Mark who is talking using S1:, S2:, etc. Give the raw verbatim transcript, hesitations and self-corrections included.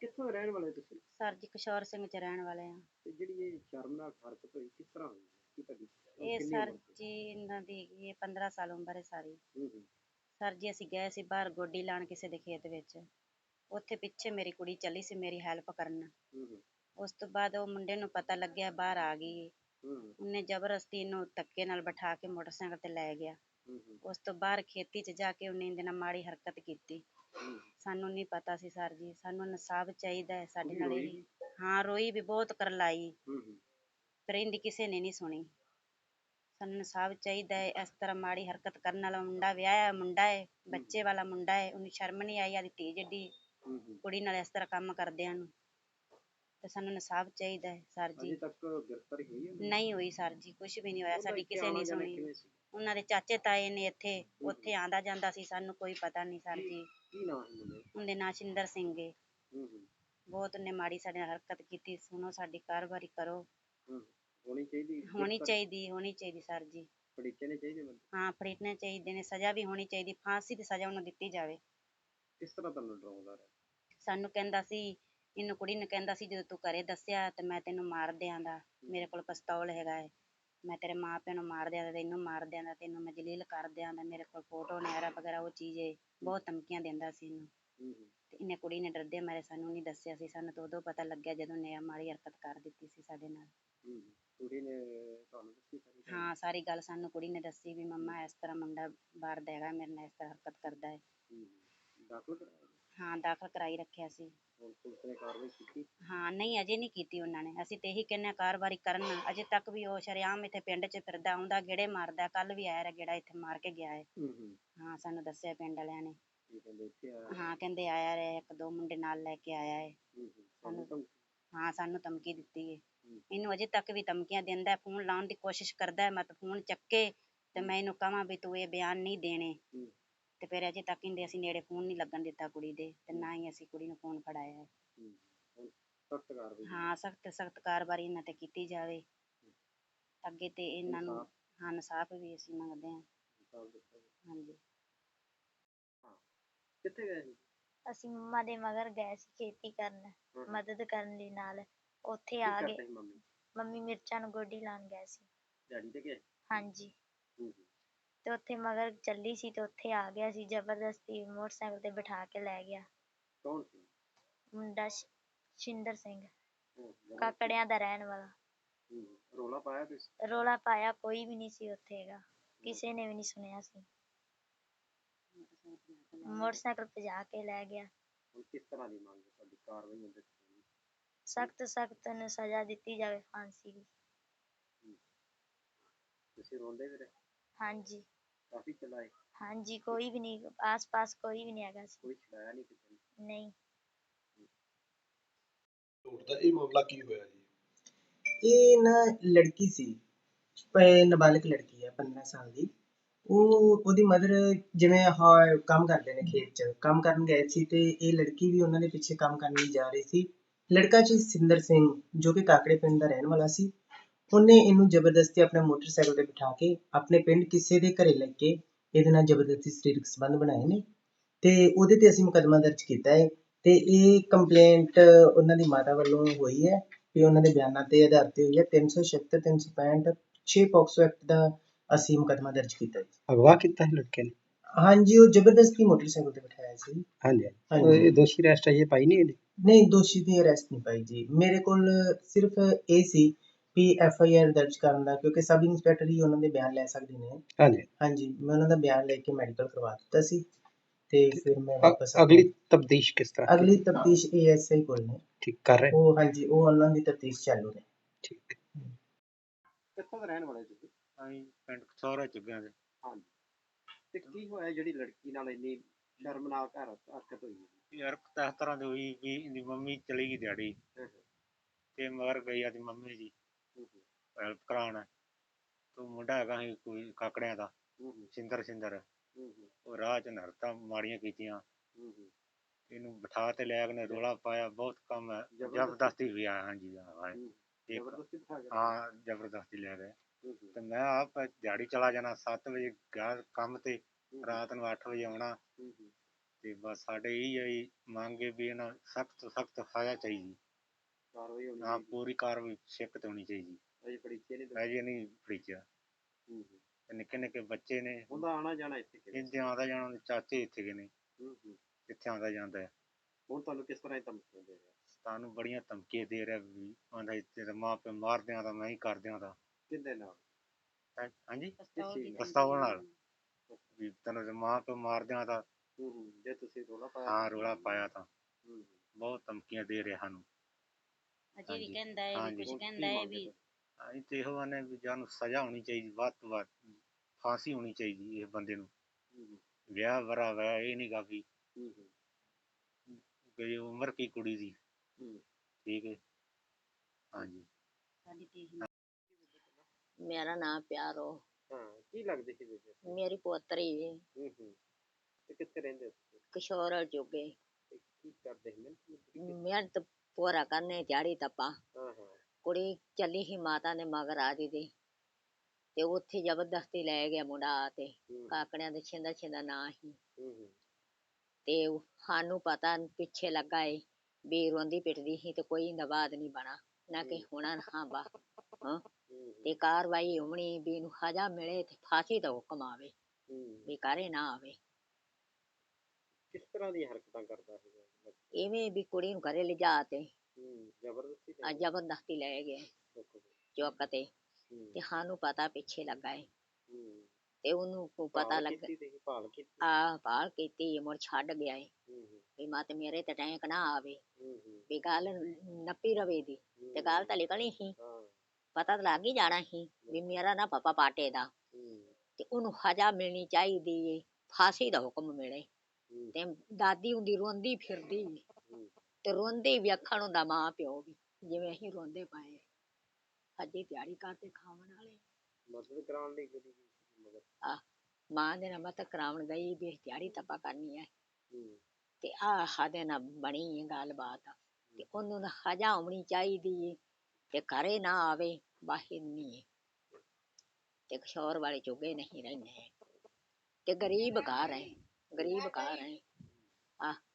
S1: ਕਿੱਥੋਂ ਦੇ ਰਹਿਣ ਵਾਲੇ ਤੁਸੀਂ?
S2: ਸਰ ਜੀ ਕਿਸ਼ੋਰ ਸਿੰਘ ਚ ਰਹਿਣ ਵਾਲੇ ਆ।
S1: ਤੇ ਜਿਹੜੀ ਇਹ ਸ਼ਰਮਨਾਕ ਹਰਕਤ ਹੋਈ ਕਿਸ ਤਰ੍ਹਾਂ ਹੋਈ? ਕੀ ਤੁਹਾਡੀ
S2: ਇਹ
S1: ਕਿੰਨੀ
S2: ਸਰ
S1: ਉਮਰ ਸੀ?
S2: ਜੀ ਇਹਨਾਂ ਦੀ ਹੈਗੀ ਹੈ ਪੰਦਰਾਂ ਸਾਲ ਉਮਰ ਹੈ ਸਾਰੀ।
S1: ਹੂੰ ਹੂੰ
S2: ਸਰ ਜੀ ਅਸੀਂ ਗਏ ਸੀ ਬਾਹਰ ਗੋਡੀ ਲਾਉਣ ਕਿਸੇ ਦੇ ਖੇਤ ਵਿੱਚ। ਉੱਥੇ ਪਿੱਛੇ ਮੇਰੀ ਕੁੜੀ ਚੱਲੀ ਸੀ ਮੇਰੀ ਹੈਲਪ ਕਰਨ।
S1: ਹੂੰ ਹੂੰ
S2: ਉਸ ਤੋਂ ਬਾਅਦ ਉਹ ਮੁੰਡੇ ਨੂੰ ਪਤਾ ਲੱਗਿਆ ਬਾਹਰ ਆ ਗਈ।
S1: ਹੂੰ
S2: ਉਹਨੇ ਜ਼ਬਰਦਸਤੀ ਇਹਨੂੰ ਧੱਕੇ ਨਾਲ ਬਿਠਾ ਕੇ ਮੋਟਰਸਾਈਕਲ ਤੇ ਲੈ ਗਿਆ।
S1: ਹੂੰ ਹੂੰ
S2: ਉਸ ਤੋਂ ਬਾਹਰ ਖੇਤੀ 'ਚ ਜਾ ਕੇ ਉਹਨੇ ਇਹਦੇ ਨਾਲ ਮਾੜੀ ਹਰਕਤ ਕੀਤੀ।
S1: ਹੂੰ।
S2: ਸਾਨੂੰ ਨਹੀਂ ਪਤਾ ਸੀ ਸਰ ਜੀ, ਸਾਨੂੰ ਇਨਸਾਫ ਚਾਹੀਦਾ ਹੈ ਸਾਡੇ
S1: ਕੁੜੀ
S2: ਨਾਲ
S1: ਰੋਈ
S2: ਇਹ।
S1: ਵੀ?
S2: ਹਾਂ ਰੋਈ ਵੀ ਬਹੁਤ ਕਰਲਾਈ,
S1: ਹੂੰ ਹੂੰ
S2: ਪਰ ਇਹਦੀ ਕਿਸੇ ਨੇ ਨਹੀਂ ਸੁਣੀ। ਸਾਨੂੰ ਇਨਸਾਫ ਚਾਹੀਦਾ ਹੈ। ਇਸ ਤਰ੍ਹਾਂ ਮਾੜੀ ਹਰਕਤ ਕਰਨ ਵਾਲਾ ਮੁੰਡਾ ਵਿਆਹਿਆ ਮੁੰਡਾ ਹੈ, ਬੱਚੇ ਵਾਲਾ ਮੁੰਡਾ ਹੈ, ਉਹਨੂੰ ਸ਼ਰਮ ਨਹੀਂ ਆਈ ਆਦੀ ਧੀ ਜਿੱਡੀ
S1: ਹੂੰ ਹੂੰ।
S2: ਕੁੜੀ ਨਾਲ ਇਸ ਤਰ੍ਹਾਂ ਕੰਮ ਕਰਦਿਆਂ ਨੂੰ। ਤੇ ਸਾਨੂੰ ਇਨਸਾਫ ਚਾਹੀਦਾ ਹੈ ਸਰ ਜੀ।
S1: ਅਜੇ ਤੱਕ ਗ੍ਰਿਫਤਾਰੀ ਹੋਈ ਹੈ?
S2: ਨਹੀਂ ਹੋਈ ਸਰ ਜੀ, ਕੁਛ ਵੀ ਨਹੀਂ ਹੋਇਆ,
S1: ਉਹਦਾ
S2: ਸਾਡੀ
S1: ਇੱਥੇ
S2: ਕਿਸੇ
S1: ਆਉਣਾ
S2: ਨੇ
S1: ਜਾਣਾ
S2: ਸੁਣੀ।
S1: ਕਿਵੇਂ ਸੀ?
S2: ਉਹਨਾਂ ਦੇ ਚਾਚੇ ਤਾਏ ਨੇ ਇੱਥੇ
S1: ਹੂੰ
S2: ਉੱਥੇ ਆਂਦਾ ਜਾਂਦਾ ਸੀ, ਸਾਨੂੰ ਕੋਈ ਪਤਾ ਨਹੀਂ ਸਰ
S1: ਕੀ
S2: ਜੀ।
S1: ਕੀ ਨਾਮ ਸੀ ਮੁੰਡੇ?
S2: ਉਹਦੇ ਨਾਂ ਸ਼ਿੰਦਰ ਸਿੰਘ ਹੈ।
S1: ਹੂੰ ਹੂੰ
S2: ਬਹੁਤ ਉਹਨੇ ਮਾੜੀ ਸਾਡੇ ਨਾਲ ਹਰਕਤ ਕੀਤੀ। ਸੁਣੋ ਸਾਡੀ ਕਾਰਵਾਈ ਕਰੋ।
S1: ਹੂੰ। ਹੋਣੀ ਚਾਹੀਦੀ
S2: ਹੋਣੀ
S1: ਗ੍ਰਿਫਤਾਰੀ?
S2: ਚਾਹੀਦੀ ਹੋਣੀ ਚਾਹੀਦੀ ਸਰ ਜੀ।
S1: ਫੜੀਚਣੇ ਚਾਹੀਦੇ ਬੰਦੇ?
S2: ਹਾਂ ਫੜੀਟਣੇ ਚਾਹੀਦੇ ਨੇ, ਸਜ਼ਾ ਵੀ ਹੋਣੀ ਚਾਹੀਦੀ, ਫਾਂਸੀ ਦੀ ਸਜ਼ਾ ਉਹਨੂੰ ਦਿੱਤੀ ਜਾਵੇ।
S1: ਕਿਸ ਤਰ੍ਹਾਂ ਤੁਹਾਨੂੰ ਡਰਾਉਂਦਾ ਰਿਹਾ?
S2: ਸਾਨੂੰ ਕਹਿੰਦਾ ਸੀ, ਇਹਨੂੰ ਕੁੜੀ ਨੂੰ ਕਹਿੰਦਾ ਸੀ ਜਦੋਂ ਤੂੰ ਘਰੇ ਦੱਸਿਆ ਤੇ ਮੈਂ ਤੈਨੂੰ ਮਾਰ ਦਿਆਂਗਾ, ਮੇਰੇ ਕੋਲ ਪਿਸਤੌਲ ਹੈਗਾ ਹੈ, ਮੈਂ ਤੇਰੇ ਮਾਂ ਪਿਓ ਨੂੰ ਮਾਰ ਦਿਆਂਗਾ, ਤੈਨੂੰ ਮਾਰ ਦਿਆਂਗਾ, ਤੈਨੂੰ ਮੈਂ ਜਲੀਲ ਕਰ ਦਿਆਂਗਾ, ਮੇਰੇ ਕੋਲ ਫੋਟੋ ਨੈਰਾ ਵਗੈਰਾ ਉਹ ਚੀਜ਼ ਹੈ। ਬਹੁਤ ਧਮਕੀਆਂ ਦਿੰਦਾ ਸੀ ਇਹਨੂੰ।
S1: ਹੂੰ ਹੂੰ
S2: ਤੇ ਇਹਨੇ ਕੁੜੀ ਨੇ ਡਰਦੇ ਮਾਰੇ ਸਾਨੂੰ ਨਹੀਂ ਦੱਸਿਆ ਸੀ, ਸਾਨੂੰ ਤਾਂ ਉਦੋਂ ਪਤਾ ਲੱਗਿਆ ਜਦੋਂ ਨੇ ਮਾੜੀ ਹਰਕਤ ਕਰ ਦਿੱਤੀ ਸੀ ਸਾਡੇ ਨਾਲ।
S1: ਹੂੰ। ਕੁੜੀ ਨੇ ਤੁਹਾਨੂੰ ਦੱਸੀ ਸਾਰੀ ਗੱਲ?
S2: ਹਾਂ ਸਾਰੀ ਗੱਲ ਸਾਨੂੰ ਕੁੜੀ ਨੇ ਦੱਸੀ ਵੀ ਮੰਮਾ ਇਸ ਤਰ੍ਹਾਂ ਮੁੰਡਾ ਬਾਹਰ ਦਾ ਹੈਗਾ, ਮੇਰੇ ਨਾਲ ਇਸ ਤਰ੍ਹਾਂ ਹਰਕਤ ਕਰਦਾ ਹੈ।
S1: ਹੂੰ ਹੂੰ। ਦਾਖਲ ਕਰਾਇਆ?
S2: ਹਾਂ ਦਾਖਲ ਕਰਾਈ ਰੱਖਿਆ ਸੀ।
S1: ਹੁਣ ਪੁਲਿਸ ਨੇ ਕਾਰਵਾਈ ਕੀਤੀ?
S2: ਹਾਂ ਨਹੀਂ ਅਜੇ ਨਹੀਂ ਕੀਤੀ ਉਹਨਾਂ ਨੇ। ਅਸੀਂ ਤੇ ਇਹੀ ਕਹਿੰਦੇ ਹਾਂ ਕਾਰਵਾਈ ਕਰਨ। ਅਜੇ ਤੱਕ ਵੀ ਉਹ ਸ਼ਰੇਆਮ ਇੱਥੇ ਪਿੰਡ 'ਚ ਫਿਰਦਾ, ਆਉਂਦਾ ਗੇੜੇ ਮਾਰਦਾ, ਕੱਲ ਵੀ ਆਇਆ ਗੇੜਾ ਇੱਥੇ ਮਾਰ ਕੇ ਗਿਆ ਹੈ।
S1: ਹੂੰ ਹੂੰ।
S2: ਹਾਂ ਸਾਨੂੰ ਦੱਸਿਆ ਪਿੰਡ ਵਾਲਿਆਂ ਨੇ।
S1: ਕੀ ਕਹਿੰਦੇ ਇੱਥੇ ਆਇਆ?
S2: ਹਾਂ ਕਹਿੰਦੇ ਆਇਆ ਰਿਹਾ, ਇੱਕ ਦੋ ਮੁੰਡੇ ਨਾਲ ਲੈ ਕੇ ਆਇਆ ਹੈ।
S1: ਹੂੰ ਹੂੰ।
S2: ਸਾਨੂੰ
S1: ਤੁਹਾਨੂੰ
S2: ਹਾਂ ਸਾਨੂੰ ਧਮਕੀ ਦਿੱਤੀ ਹੈ।
S1: ਹੂੰ
S2: ਇਹਨੂੰ ਅਜੇ ਤੱਕ ਵੀ ਧਮਕੀਆਂ ਦਿੰਦਾ, ਫੋਨ ਲਾਉਣ ਦੀ ਕੋਸ਼ਿਸ਼ ਕਰਦਾ, ਮਤ ਫੋਨ ਚੱਕੇ ਤੇ ਮੈਂ ਇਹਨੂੰ ਕਹਾਂ ਵੀ ਤੂੰ ਇਹ ਬਿਆਨ ਨਹੀਂ ਦੇਣੇ,
S1: ਹੂੰ
S2: ਤੇ ਫਿਰ ਅਜੇ ਤੱਕ ਕਹਿੰਦੇ ਅਸੀਂ ਨੇੜੇ ਫੋਨ ਨਹੀਂ ਲੱਗਣ ਦਿੱਤਾ ਕੁੜੀ ਦੇ, ਤੇ ਨਾ ਹੀ ਅਸੀਂ ਕੁੜੀ ਨੂੰ ਫੋਨ ਫੜਾਇਆ ਹੈ।
S1: ਹੂੰ। ਹੁਣ ਸਖਤ ਕਾਰਵਾਈ?
S2: ਹਾਂ ਸਖਤ ਸਖਤ ਕਾਰਵਾਈ ਇਹਨਾਂ ਤੇ ਕੀਤੀ ਜਾਵੇ ਅੱਗੇ, ਤੇ ਇਹਨਾਂ ਨੂੰ
S1: ਇਨਸਾਫ਼?
S2: ਹਾਂ ਇਨਸਾਫ ਵੀ ਅਸੀਂ ਮੰਗਦੇ ਹਾਂ।
S1: ਇਨਸਾਫ਼ ਦਿੱਤਾ ਜਾਵੇ।
S2: ਹਾਂਜੀ।
S1: ਹਾਂ। ਕਿੱਥੇ ਗਏ ਸੀ?
S3: ਅਸੀਂ ਮੰਮਾ ਦੇ ਮਗਰ ਗਏ ਸੀ ਖੇਤੀ ਕਰਨ,
S1: ਹੂੰ ਹੂੰ।
S3: ਮਦਦ ਕਰਨ ਲਈ ਨਾਲ। ਉੱਥੇ
S1: ਕੀ
S3: ਆ ਗਏ।
S1: ਕਰਦੇ ਸੀ ਮੰਮੀ?
S3: ਮੰਮੀ ਮਿਰਚਾਂ ਨੂੰ ਗੋਡੀ ਲਾਉਣ ਗਏ ਸੀ।
S1: ਦਿਹਾੜੀ ਤੇ ਗਏ?
S3: ਹਾਂਜੀ।
S1: ਹੂੰ ਹੂੰ।
S3: ਤੇ ਉੱਥੇ ਮਗਰ ਚੱਲੀ ਸੀ ਤੇ ਉੱਥੇ ਆ ਗਿਆ ਸੀ, ਜ਼ਬਰਦਸਤੀ ਮੋਟਰਸਾਈਕਲ ਤੇ ਬਿਠਾ ਕੇ ਲੈ ਗਿਆ।
S1: ਕੌਣ ਸੀ?
S3: ਮੁੰਡਾ ਸ਼- ਸ਼ਿੰਦਰ ਸਿੰਘ,
S1: ਹੂੰ। ਜ਼ਬਰਦਸਤੀ?
S3: ਕਾਕੜਿਆਂ ਦਾ ਰਹਿਣ ਵਾਲਾ।
S1: ਹੂੰ ਹੂੰ। ਰੌਲਾ ਪਾਇਆ ਤੁਸੀਂ?
S3: ਰੌਲਾ ਪਾਇਆ ਕੋਈ ਵੀ ਨਹੀਂ ਸੀ ਉੱਥੇ ਹੈਗਾ, ਕਿਸੇ ਨੇ ਵੀ ਨਹੀਂ ਸੁਣਿਆ ਸੀ। ਮੋਟਰਸਾਈਕਲ ਭਜਾ ਕੇ ਲੈ ਗਿਆ।
S1: ਹੁਣ ਕਿਸ ਤਰ੍ਹਾਂ ਦੀ ਮੰਗ ਹੈ ਤੁਹਾਡੀ? ਕਾਰਵਾਈ ਹੁੰਦੇ ਤੇ?
S3: ਸਖਤ ਸਖਤ ਨੂੰ ਸਜ਼ਾ ਦਿੱਤੀ ਜਾਵੇ, ਫਾਂਸੀ ਦੀ।
S1: ਹੂੰ। ਤੁਸੀਂ ਰੋਂਦੇ ਵੀ ਰਹੇ?
S3: ਹਾਂਜੀ।
S1: ਕਾਫੀ ਚਲਾਏ?
S3: ਹਾਂਜੀ ਕੋਈ ਵੀ ਨਹੀਂ, ਆਸ ਪਾਸ ਕੋਈ ਵੀ ਨਹੀਂ ਹੈਗਾ ਸੀ।
S1: ਕੋਈ ਛਡਾਇਆ ਨਹੀਂ ਕਿਸੇ ਨੇ?
S3: ਨਹੀਂ।
S4: ਦਾ ਇਹ ਮਾਮਲਾ ਕੀ ਹੋਇਆ ਜੀ?
S5: ਇਹ ਨਾ ਲੜਕੀ ਸੀ, ਪ- ਨਾਬਾਲਗ ਲੜਕੀ ਹੈ ਪੰਦਰਾਂ ਸਾਲ ਦੀ। ਉਹ ਉਹਦੀ ਮਦਰ ਜਿਵੇਂ ਹਾਂ ਕੰਮ ਕਰਦੇ ਨੇ ਖੇਤ 'ਚ, ਕੰਮ ਕਰਨ ਗਏ ਸੀ ਤੇ ਇਹ ਲੜਕੀ ਵੀ ਉਹਨਾਂ ਦੇ ਪਿੱਛੇ ਕੰਮ ਕਰਨ ਲਈ ਜਾ ਰਹੀ ਸੀ। ਲੜਕਾ ਜੀ ਸਿੰਦਰ ਸਿੰਘ ਜੋ ਕਿ ਕਾਕੜੇ ਪਿੰਡ ਦਾ ਰਹਿਣ ਵਾਲਾ ਸੀ, ਉਹਨੇ ਇਹਨੂੰ ਜ਼ਬਰਦਸਤੀ ਆਪਣੇ ਮੋਟਰਸਾਈਕਲ ਤੇ ਬਿਠਾ ਕੇ ਆਪਣੇ ਪਿੰਡ ਕਿਸੇ ਦੇ ਘਰੇ ਲੈ ਕੇ ਇਹਦੇ ਨਾਲ ਜ਼ਬਰਦਸਤੀ ਸਰੀਰਕ ਸੰਬੰਧ ਬਣਾਏ ਨੇ ਤੇ ਉਹਦੇ ਤੇ ਅਸੀਂ ਮੁਕੱਦਮਾ ਦਰਜ ਕੀਤਾ ਹੈ। ਤੇ ਇਹ ਕੰਪਲੇਂਟ ਉਹਨਾਂ ਦੀ ਮਾਤਾ ਵੱਲੋਂ ਹੋਈ ਹੈ ਵੀ ਉਹਨਾਂ ਦੇ ਬਿਆਨਾਂ ਤੇ ਆਧਾਰ ਤੇ ਹੋਈ ਹੈ। ਤਿੰਨ ਸੌ ਛਿਅੱਤਰ ਤਿੰਨ ਸੌ ਪੈਂਹਠ ਛੇ ਪੋਕਸੋ ਐਕਟ ਦਾ ਅਸੀਂ ਮੁਕੱਦਮਾ ਦਰਜ ਕੀਤਾ ਜੀ।
S4: ਅਗਵਾ ਕੀਤਾ ਸੀ ਲੜਕੇ ਨੇ?
S5: ਹਾਂਜੀ ਉਹ ਜ਼ਬਰਦਸਤੀ ਮੋਟਰਸਾਈਕਲ ਤੇ ਬਿਠਾਇਆ ਸੀ।
S4: ਹਾਂਜੀ।
S5: ਹਾਂਜੀ
S4: ਇਹ ਦੋਸ਼ੀ ਅਰੈਸਟ ਅਜੇ ਪਾਈ ਨਹੀਂ ਇਹਦੀ?
S5: ਨਹੀਂ ਦੋਸ਼ੀ ਦੀ ਅਰੈਸਟ ਨਹੀਂ ਪਾਈ ਜੀ। ਮੇਰੇ ਕੋਲ ਸਿਰਫ ਇਹ ਸੀ ਵੀ ਐਫ ਆਈ ਆਰ ਦਰਜ ਕਰਨ ਦਾ, ਕਿਉਂਕਿ ਸਬ ਇੰਸਪੈਕਟਰ ਹੀ ਉਹਨਾਂ ਦੇ ਬਿਆਨ ਲੈ ਸਕਦੇ ਨੇ।
S4: ਹਾਂਜੀ
S5: ਹਾਂਜੀ ਮੈਂ ਉਹਨਾਂ ਦਾ ਬਿਆਨ ਲੈ ਕੇ ਮੈਡੀਕਲ ਕਰਵਾ ਦਿੱਤਾ ਸੀ ਤੇ ਫਿਰ ਮੈਂ
S4: ਅ-
S5: ਵਾਪਸ ਆ
S4: ਅਗਲੀ ਤਬਦੀਸ਼ ਕਿਸ ਤਰ੍ਹਾਂ?
S5: ਅਗਲੀ ਤਫਤੀਸ਼ ਏ ਐਸ ਆਈ ਕੋਲ ਨੇ,
S4: ਠੀਕ ਕਰ ਰਹੇ?
S5: ਉਹ ਹਾਂਜੀ ਉਹ ਉਹਨਾਂ ਦੀ ਤਫਤੀਸ਼ ਚਾਲੂ ਨੇ।
S4: ਠੀਕ।
S1: ਕਿੱਥੋਂ ਦੇ ਰਹਿਣ ਵਾਲੇ ਤੁਸੀਂ?
S6: ਅਸੀਂ ਪਿੰਡ ਸਹੁਰਾ ਚੁੱਗਿਆਂ ਦੇ।
S1: ਹਾਂਜੀ। ਤੇ ਕੀ ਹੋਇਆ ਜਿਹੜੀ ਲੜਕੀ ਨਾਲ ਇੰਨੀ ਸ਼ਰਮਨਾਕ ਹਰ- ਹਰਕਤ ਹੋਈ?
S6: ਯਾਰ ਇਸ ਤਰ੍ਹਾਂ ਦੀ ਹੋਈ ਵੀ ਇਹਦੀ ਮੰਮੀ ਚਲੀ ਗਈ ਦਿਹਾੜੀ
S1: ਹੂੰ ਹੂੰ
S6: ਤੇ ਮਗਰ ਗਈ ਆਦੀ ਮੰਮੀ ਦੀ
S1: ਹੂੰ ਹੂੰ
S6: ਹੈਲਪ ਕਰਾਉਣ। ਤੂੰ ਮੁੰਡਾ ਹੈਗਾ ਸੀ ਕੋਈ ਕਾਕੜਿਆਂ ਦਾ,
S1: ਹੂੰ ਹੂੰ
S6: ਸਿੰਦਰ ਸਿੰਦਰ।
S1: ਹੂੰ ਹੂੰ
S6: ਉਹ ਰਾਹ 'ਚ ਨਰਤਾ ਮਾੜੀਆਂ ਕੀਤੀਆਂ,
S1: ਹੂੰ ਹੂੰ।
S6: ਇਹਨੂੰ ਬਿਠਾ ਤੇ ਲੈ ਕੇ ਨੇ ਰੌਲਾ ਪਾਇਆ, ਬਹੁਤ ਕੰਮ ਹੈ।
S1: ਜ਼ਬਰਦਸਤੀ?
S6: ਜ਼ਬਰਦਸਤੀ ਵੀ ਆ। ਹਾਂਜੀ ਹਾਂ ਹਾਂ।
S1: ਹੂੰ।
S6: ਇੱਕ
S1: ਜ਼ਬਰਦਸਤੀ ਬਿਠਾ ਕੇ?
S6: ਹਾਂ ਜ਼ਬਰਦਸਤੀ ਲੈ ਗਏ।
S1: ਹੂੰ ਹੂੰ
S6: ਤੇ ਮੈਂ ਆਪ ਦਿਹਾੜੀ ਚਲਾ ਜਾਣਾ, ਸੱਤ ਵਜੇ ਗਿਆ ਕੰਮ ਤੇ,
S1: ਹੂੰ
S6: ਰਾਤ ਨੂੰ ਅੱਠ ਵਜੇ ਆਉਣਾ।
S1: ਹੂੰ ਹੂੰ
S6: ਤੇ ਬਸ ਸਾਡੇ ਇਹੀ ਹੈ ਜੀ ਮੰਗ ਹੈ ਵੀ ਇਹਨਾਂ ਸਖਤ ਤੋਂ ਸਖਤ ਸਜ਼ਾ ਚਾਹੀਦੀ।
S1: ਕਾਰਵਾਈ ਹੋਣੀ
S6: ਹਾਂ
S1: ਚਾਹੀਦੀ।
S6: ਪੂਰੀ ਕਾਰਵਾਈ ਸਿੱਖ ਤੇ ਹੋਣੀ ਚਾਹੀਦੀ।
S1: ਅਜੇ ਫੜੀਚੇ ਨਹੀਂ
S6: ਅਜੇ ਨਹੀਂ ਫੜੀਚਿਆ।
S1: ਹੂੰ ਹੂੰ।
S6: ਤੇ ਨਿੱਕੇ ਨਿੱਕੇ ਬੱਚੇ ਨੇ
S1: ਉਹਦਾ ਆਣਾ ਜਾਣਾ ਇੱਥੇ ਕਿਵੇਂ?
S6: ਇੱਥੇ ਆਉਂਦਾ ਜਾਣਾ, ਉਹਦੇ ਚਾਚੇ ਇੱਥੇ ਗਏ ਨੇ,
S1: ਹੂੰ ਹੂੰ।
S6: ਇੱਥੇ ਆਉਂਦਾ ਜਾਂਦਾ ਹੈ।
S1: ਹੁਣ ਤੁਹਾਨੂੰ ਕਿਸ ਤਰ੍ਹਾਂ ਦੀ ਧਮਕੀਆਂ ਦੇ ਰਿਹਾ?
S6: ਸਾਨੂੰ ਬੜੀਆਂ ਧਮਕੀਆਂ ਦੇ ਰਿਹਾ ਵੀ ਆਂਦਾ ਤੇਰੇ ਮਾਂ ਪਿਓ ਮਾਰ ਦਿਆਂ ਦਾ, ਮੈਂ ਹੀ ਕਰ ਦਿਆਂ ਦਾ।
S1: ਕਿਹਦੇ ਨਾਲ?
S6: ਹੈਂ- ਹਾਂਜੀ
S2: ਪਿਸਤੌਲ ਦੀ
S6: ਪਿਸਤੌਲ ਨਾਲ
S2: ਧਮਕੀ।
S6: ਵੀ ਤੈਨੂੰ ਤੇ ਮਾਂ ਪਿਓ ਮਾਰ ਦਿਆਂ ਦਾ।
S1: ਹੂੰ ਹੂੰ। ਜੇ ਤੁਸੀਂ ਰੌਲਾ ਪਾਇਆ?
S6: ਹਾਂ ਰੌਲਾ ਪਾਇਆ ਤਾਂ
S1: ਹੂੰ ਹੂੰ।
S6: ਬਹੁਤ ਧਮਕੀਆਂ ਦੇ ਰਿਹਾ ਸਾਨੂੰ।
S2: ਅਜੇ ਵੀ
S6: ਹਾਂਜੀ
S2: ਕਹਿੰਦਾ ਹੈ ਵੀ
S6: ਹਾਂਜੀ।
S2: ਕੁਝ
S1: ਹੁਣ
S2: ਕਹਿੰਦਾ
S1: ਕੀ
S2: ਹੈ
S1: ਮੰਗਦੇ
S2: ਵੀ
S1: ਤੁਸੀਂ?
S6: ਅਸੀਂ ਤੇ ਇਹੋ ਆਨੇ ਵੀ ਜਾਨੂੰ ਸਜ਼ਾ ਹੋਣੀ ਚਾਹੀਦੀ, ਵੱਧ ਤੋਂ ਵੱਧ ਫਾਂਸੀ ਹੋਣੀ ਚਾਹੀਦੀ ਇਸ ਬੰਦੇ ਨੂੰ।
S1: ਹੂੰ ਹੂੰ।
S6: ਵਿਆਹ ਵਰਾ ਹੋਇਆ, ਇਹ ਨੀ ਗਾ ਵੀ
S1: ਹੂੰ ਹੂੰ।
S6: ਕੋਈ ਉਮਰ ਕੀ ਕੁੜੀ ਦੀ।
S1: ਹੂੰ।
S6: ਠੀਕ ਹੈ ਹਾਂਜੀ।
S2: ਸਾਡੀ ਤੇ ਇਹੀ
S7: ਮੇਰਾ ਨਾਮ ਪਿਆਰੋ,
S1: ਹਾਂ ਕੀ ਲੱਗਦੀ ਸੀ ਬੇਬੇ?
S7: ਮੇਰੀ ਪੋਤਰੀ ਏ,
S1: ਹੂੰ ਹੂੰ। ਤੇ ਕਿੱਥੇ ਰਹਿੰਦੇ ਹੋ ਤੁਸੀਂ?
S7: ਕਿਸ਼ੋਰ ਜੋਗੇ।
S1: ਤੇ ਕੀ ਕਰਦੇ ਸੀ ਮਿਹਨਤ ਮੁਹਨਤ?
S7: ਮਿਹਨਤ ਪੂਰਾ ਕਰਨੇ ਦਿਹਾੜੀ ਤੱਪਾ।
S1: ਹਾਂ ਹਾਂ।
S7: ਕੁੜੀ ਚੱਲੀ ਸੀ ਮਾਤਾ ਨੇ ਮਗਰ ਆ ਦੀ ਦੀ ਤੇ ਉੱਥੇ ਜ਼ਬਰਦਸਤੀ ਲੈ ਗਿਆ ਮੁੰਡਾ ਆ ਤੇ
S1: ਹੂੰ
S7: ਕਾਕੜਿਆਂ ਦੇ ਛਿੰਦਾ ਛਿੰਦਾ ਨਾਂ ਸੀ
S1: ਹੂੰ ਹੂੰ।
S7: ਤੇ ਉਹ ਸਾਨੂੰ ਪਤਾ ਪਿੱਛੇ ਲੱਗਾ ਏ ਵੀ ਰੋਂਦੀ ਪਿੱਟਦੀ ਸੀ ਤੇ ਕੋਈ ਨਵਾਦ ਨਹੀਂ ਬਣਾ ਨਾ ਕਿ ਹੋਣਾ ਨਾ ਬਾ ਹਾਂ।
S1: ਹੂੰ
S7: ਤੇ ਕਾਰਵਾਈ ਹੋਣੀ ਵੀ ਇਹਨੂੰ ਸਜ਼ਾ ਮਿਲੇ ਤੇ ਫਾਂਸੀ ਦਾ ਹੁਕਮ ਆਵੇ
S1: ਹੂੰ।
S7: ਵੀ ਘਰੇ ਨਾ ਆਵੇ।
S1: ਕਿਸ ਤਰ੍ਹਾਂ ਦੀਆਂ ਹਰਕਤਾਂ ਕਰਦਾ ਸੀਗਾ?
S7: ਇਵੇਂ ਵੀ ਕੁੜੀ ਨੂੰ ਘਰੇ ਲਿਜਾ ਤੇ
S1: ਹੂੰ। ਜ਼ਬਰਦਸਤੀ
S7: ਆ
S1: ਲੈ
S7: ਜ਼ਬਰਦਸਤੀ ਲੈ ਗਏ
S1: ਚੁੱਕ ਕੇ?
S7: ਚੁੱਕ ਤੇ
S1: ਹੂੰ
S7: ਤੇ ਸਾਨੂੰ ਪਤਾ ਪਿੱਛੇ ਲੱਗਾ ਏ
S1: ਹੂੰ।
S7: ਤੇ ਉਹਨੂੰ ਕੋ ਪਤਾ
S1: ਭਾਲ
S7: ਲੱਗ
S1: ਕੀਤੀ ਤੁਸੀਂ? ਭਾਲ ਕੀਤੀ?
S7: ਆ ਭਾਲ ਕੀਤੀ ਮੁੜ ਛੱਡ ਗਿਆ ਏ
S1: ਹੂੰ ਹੂੰ।
S7: ਵੀ ਮਤ ਮੇਰੇ ਤੇ ਟੈਂਕ ਨਾ ਆਵੇ
S1: ਹੂੰ ਹੂੰ।
S7: ਵੀ ਗੱਲ ਨੱਪੀ ਰਵੇ ਦੀ ਤੇ ਗੱਲ ਤਾਂ ਨਿਕਲਣੀ ਸੀ।
S1: ਹਾਂ।
S7: ਪਤਾ ਤਾਂ ਲੱਗ ਹੀ ਜਾਣਾ ਸੀ ਵੀ ਮੇਰਾ ਨਾ ਪਾਪਾ ਪਾਟੇ ਦਾ
S1: ਹੂੰ
S7: ਤੇ ਉਹਨੂੰ ਸਜ਼ਾ ਮਿਲਣੀ ਚਾਹੀਦੀ ਏ, ਫਾਂਸੀ ਦਾ ਹੁਕਮ ਮਿਲੇ।
S1: ਹੂੰ
S7: ਤੇ ਦਾਦੀ ਹੁੰਦੀ ਰੋਂਦੀ ਫਿਰਦੀ
S1: ਹੂੰ।
S7: ਤੇ ਰੋਂਦੀ ਵੀ ਅੱਖਾਂ ਨੂੰ ਦਾ ਮਾਂ ਪਿਓ ਵੀ ਜਿਵੇਂ ਅਸੀਂ ਰੋਂਦੇ ਪਏ ਹਜੇ ਦਿਹਾੜੀ ਕਰਦੇ ਖਾਵਣ ਵਾਲੇ
S1: ਮਦਦ ਕਰਾਉਣ ਲਈ ਕਦੀ ਮਦਦ?
S7: ਆ ਮਾਂ ਦੇ ਨਾਲ ਮਤ ਕਰਾਉਣ ਗਈ ਵੀ ਦਿਹਾੜੀ ਤੱਪਾ ਕਰਨੀ ਹੈ
S1: ਹੂੰ
S7: ਤੇ ਆਹ ਸਾਡੇ ਨਾਲ ਬਣੀ ਹੈ ਗੱਲਬਾਤ ਤੇ ਉਹਨੂੰ ਨਾ ਸਜ਼ਾ ਹੋਣੀ ਚਾਹੀਦੀ ਏ ਤੇ ਘਰੇ ਨਾ ਆਵੇ ਬਾਹਰ ਨਹੀਂ ਤੇ ਕਿਸ਼ੋਰ ਵਾਲੇ ਚੁੱਗੇ ਨਹੀਂ ਰਹਿੰਦੇ ਤੇ ਗਰੀਬ ਘਰ ਹੈ ਗਰੀਬ ਘਰ ਹੈ ਆ